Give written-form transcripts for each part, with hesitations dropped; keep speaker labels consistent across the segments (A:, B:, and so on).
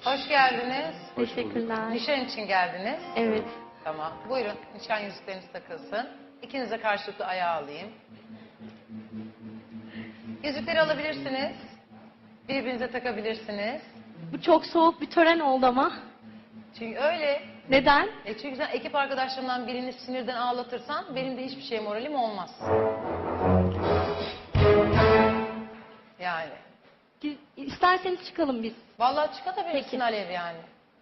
A: Hoş geldiniz.
B: Teşekkürler.
A: Nişan için geldiniz.
B: Evet.
A: Tamam. Buyurun nişan yüzükleriniz takılsın. İkinize karşılıklı ayağı alayım. Yüzükleri alabilirsiniz. Birbirinize takabilirsiniz.
B: Bu çok soğuk bir tören oldu ama.
A: Çünkü öyle.
B: Neden?
A: Çünkü sen ekip arkadaşlarımdan birini sinirden ağlatırsan benim de hiçbir şeye moralim olmaz. Yani.
B: İsterseniz çıkalım biz.
A: Vallahi çıkartabilirsin
B: Peki.
A: Alev yani.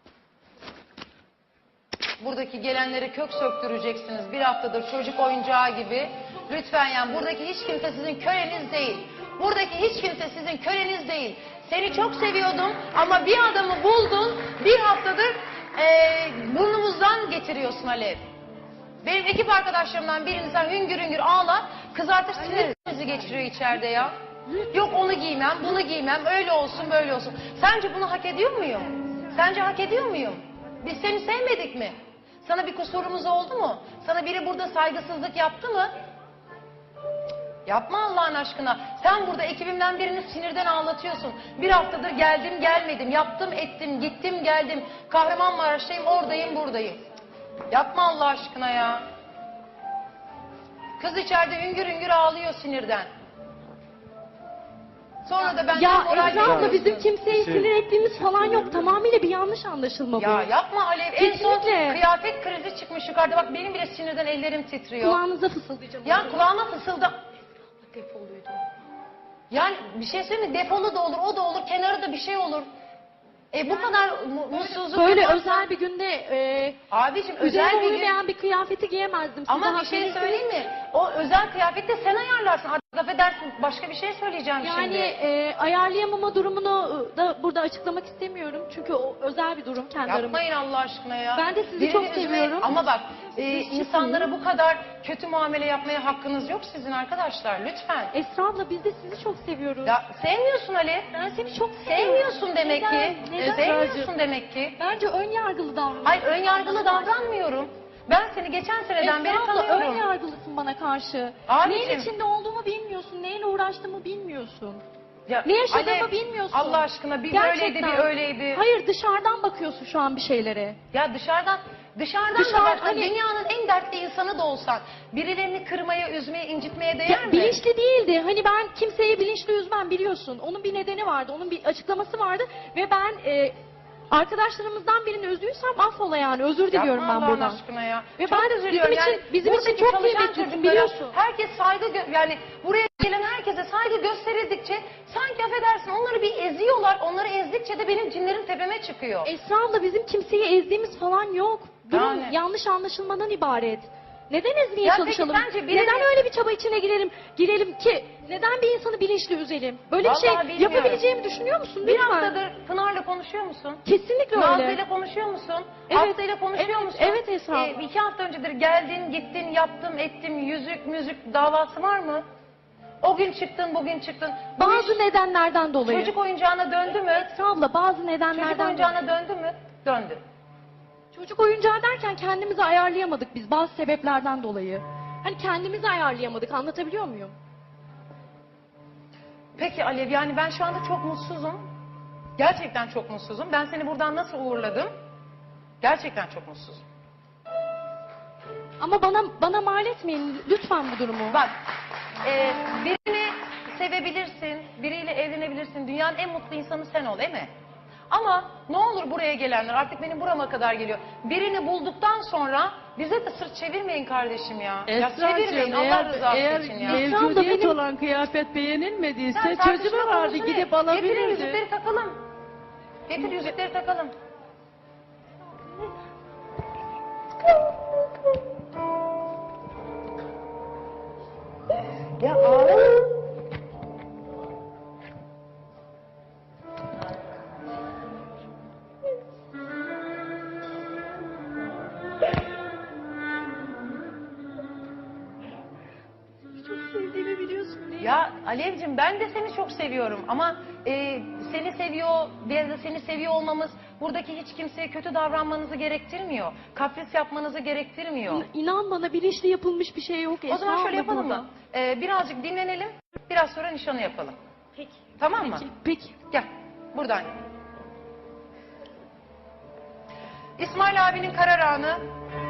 A: Buradaki gelenlere kök söktüreceksiniz. Bir haftadır çocuk oyuncağı gibi. Lütfen yani buradaki hiç kimse sizin köleniz değil. Buradaki hiç kimse sizin köleniz değil. Seni çok seviyordum ama bir adamı buldun. Bir haftadır burnumuzdan getiriyorsun Alev. Benim ekip arkadaşlarımdan birini sen hüngür hüngür ağlar. Kızartır sinirimizi geçiriyor içeride ya. Yok onu giymem, bunu giymem, öyle olsun, böyle olsun. Sence bunu hak ediyor muyum? Sence hak ediyor muyum? Biz seni sevmedik mi? Sana bir kusurumuz oldu mu? Sana biri burada saygısızlık yaptı mı? Yapma Allah'ın aşkına. Sen burada ekibimden birini sinirden ağlatıyorsun. Bir haftadır geldim gelmedim, yaptım ettim, gittim geldim. Kahramanmaraş'tayım, oradayım, buradayım. Yapma Allah aşkına ya. Kız içeride hüngür hüngür ağlıyor sinirden. Sonra da ben
B: Ya
A: moral
B: Esra abla
A: veriyorsun.
B: bizim kimseyi sinir ettiğimiz falan yok. Tamamıyla bir yanlış anlaşılma bu.
A: Ya yapma Alev. En son
B: Kesinlikle.
A: kıyafet krizi çıkmış yukarıda. Bak benim bile sinirden ellerim titriyor.
B: Kulağınıza fısıldayacağım.
A: Ya kulağıma fısılda.
B: Defoluydu.
A: Yani bir şey söyleyeyim mi? Defolu da olur, o da olur, kenarı da bir şey olur. Bu kadar mutsuzluk
B: Böyle
A: yaparsan-
B: özel bir günde
A: Abicim özel
B: üzerime
A: bir gün.
B: uymayan bir kıyafeti giyemezdim. Size
A: Ama bir
B: hak
A: şey
B: verirseniz-
A: söyleyeyim mi? O özel kıyafeti de sen ayarlarsın. Artık laf edersin. Başka bir şey söyleyeceğim
B: Yani
A: şimdi.
B: ayarlayamama durumunu da burada açıklamak istemiyorum. Çünkü o özel bir durum kendi aramızda.
A: Yapmayın Allah aşkına ya.
B: Ben de sizi
A: Birini
B: çok
A: üzmeyin.
B: seviyorum.
A: Ama bak
B: Siz
A: insanlara bu kadar kötü muamele yapmaya hakkınız yok sizin arkadaşlar. Lütfen.
B: Esra abla biz de sizi çok seviyoruz.
A: Ya sevmiyorsun Ali.
B: Ben seni çok seviyorum.
A: Sevmiyorsun demek
B: Neden?
A: ki.
B: Neden?
A: Sevmiyorsun demek ki.
B: Bence ön yargılı davranıyorsun.
A: Hayır ön yargılı davranmıyorum. Ben seni geçen seneden beri
B: Esra abla ön
A: tanıyorum.
B: yargılısın bana karşı.
A: Abicim.
B: Neyin içinde olduğumu bilmiyorsun. Neyle uğraştığımı bilmiyorsun.
A: Ya,
B: Ne yaşadığımı
A: Alev,
B: bilmiyorsun.
A: Allah aşkına bir
B: Gerçekten.
A: böyleydi bir öyleydi.
B: Hayır dışarıdan bakıyorsun şu an bir şeylere.
A: Ya dışarıdan da bak, dünyanın en dertli insanı da olsan birilerini kırmaya, üzmeye, incitmeye değer
B: Ya,
A: mi?
B: bilinçli değildi. Hani ben kimseyi bilinçli üzmem biliyorsun. Onun bir nedeni vardı. Onun bir açıklaması vardı. Ve ben arkadaşlarımızdan birini üzdüysem affola yani. Özür diliyorum
A: Yapma
B: ben
A: Allah'ın
B: buradan.
A: aşkına ya.
B: Ve
A: Çok
B: ben
A: üzülüyorum
B: bizim için
A: buradaki
B: çok
A: çalışan
B: kıymetlisin,
A: çocuklara
B: biliyorsun.
A: Herkes saygı yani buraya gelen herkese saygı gösterildikçe sanki affedersin onları bir eziyorlar. Onları ezdikçe de benim cinlerim tepeme çıkıyor.
B: Esra abla bizim kimseyi ezdiğimiz falan yok. Durum
A: Yani.
B: yanlış anlaşılmadan ibaret. Neden ezmeye
A: Ya peki
B: çalışalım?
A: sence birini-
B: Neden öyle bir çaba içine girelim ki? Neden bir insanı bilinçli üzelim? Böyle bir şey
A: Vallahi bilmiyorum.
B: yapabileceğimi düşünüyor musun?
A: Bir
B: Lütfen.
A: haftadır Pınar'la konuşuyor musun?
B: Kesinlikle öyle.
A: Nazlı'yla konuşuyor musun?
B: Evet.
A: Aslı'yla konuşuyor musun?
B: Evet Esra abla.
A: 2 hafta öncedir geldin, gittin, yaptım, ettim, yüzük, müzik davası var mı? O gün çıktın, bugün çıktın. Bu
B: Bazı
A: iş
B: nedenlerden dolayı.
A: çocuk oyuncağına döndü mü?
B: Esra abla bazı
A: Çocuk
B: nedenlerden dolayı.
A: oyuncağına döndü mü? Döndü.
B: Çocuk oyuncağı derken kendimizi ayarlayamadık biz bazı sebeplerden dolayı. Hani kendimizi ayarlayamadık, anlatabiliyor muyum?
A: Peki Alev, yani ben şu anda çok mutsuzum. Gerçekten çok mutsuzum. Ben seni buradan nasıl uğurladım? Gerçekten çok mutsuzum.
B: Ama bana mal etmeyin lütfen bu durumu.
A: Bak, birini sevebilirsin, biriyle evlenebilirsin. Dünyanın en mutlu insanı sen ol, değil mi? Ama ne olur buraya gelenler, artık benim burama kadar geliyor. Birini bulduktan sonra bize de sırt çevirmeyin kardeşim ya. Ya çevirmeyin Allah rızası
C: eğer
A: için ya.
C: mevcudiyet
B: benim-
C: olan kıyafet beğenilmediyse
A: Sen
C: çocuğu
A: tartışma
C: vardı
A: konusunu
C: gidip
A: Getirin
C: alabilirdi.
A: yüzükleri takalım. Getir yüzükleri takalım. Ya ağlama.
B: Çok sevdiğimi biliyorsun değil mi?
A: Ya Alevcim ben de seni çok seviyorum ama seni seviyor, biz de seni seviyor olmamız buradaki hiç kimseye kötü davranmanızı gerektirmiyor. Kapris yapmanızı gerektirmiyor.
B: İnan bana bilinçli yapılmış bir şey yok.
A: O zaman
B: Esra
A: şöyle
B: abla
A: yapalım
B: burada.
A: mı? Birazcık dinlenelim, biraz sonra nişanı yapalım.
B: Peki.
A: Tamam mı?
B: Peki.
A: Gel, buradan. İsmail abinin karar anı.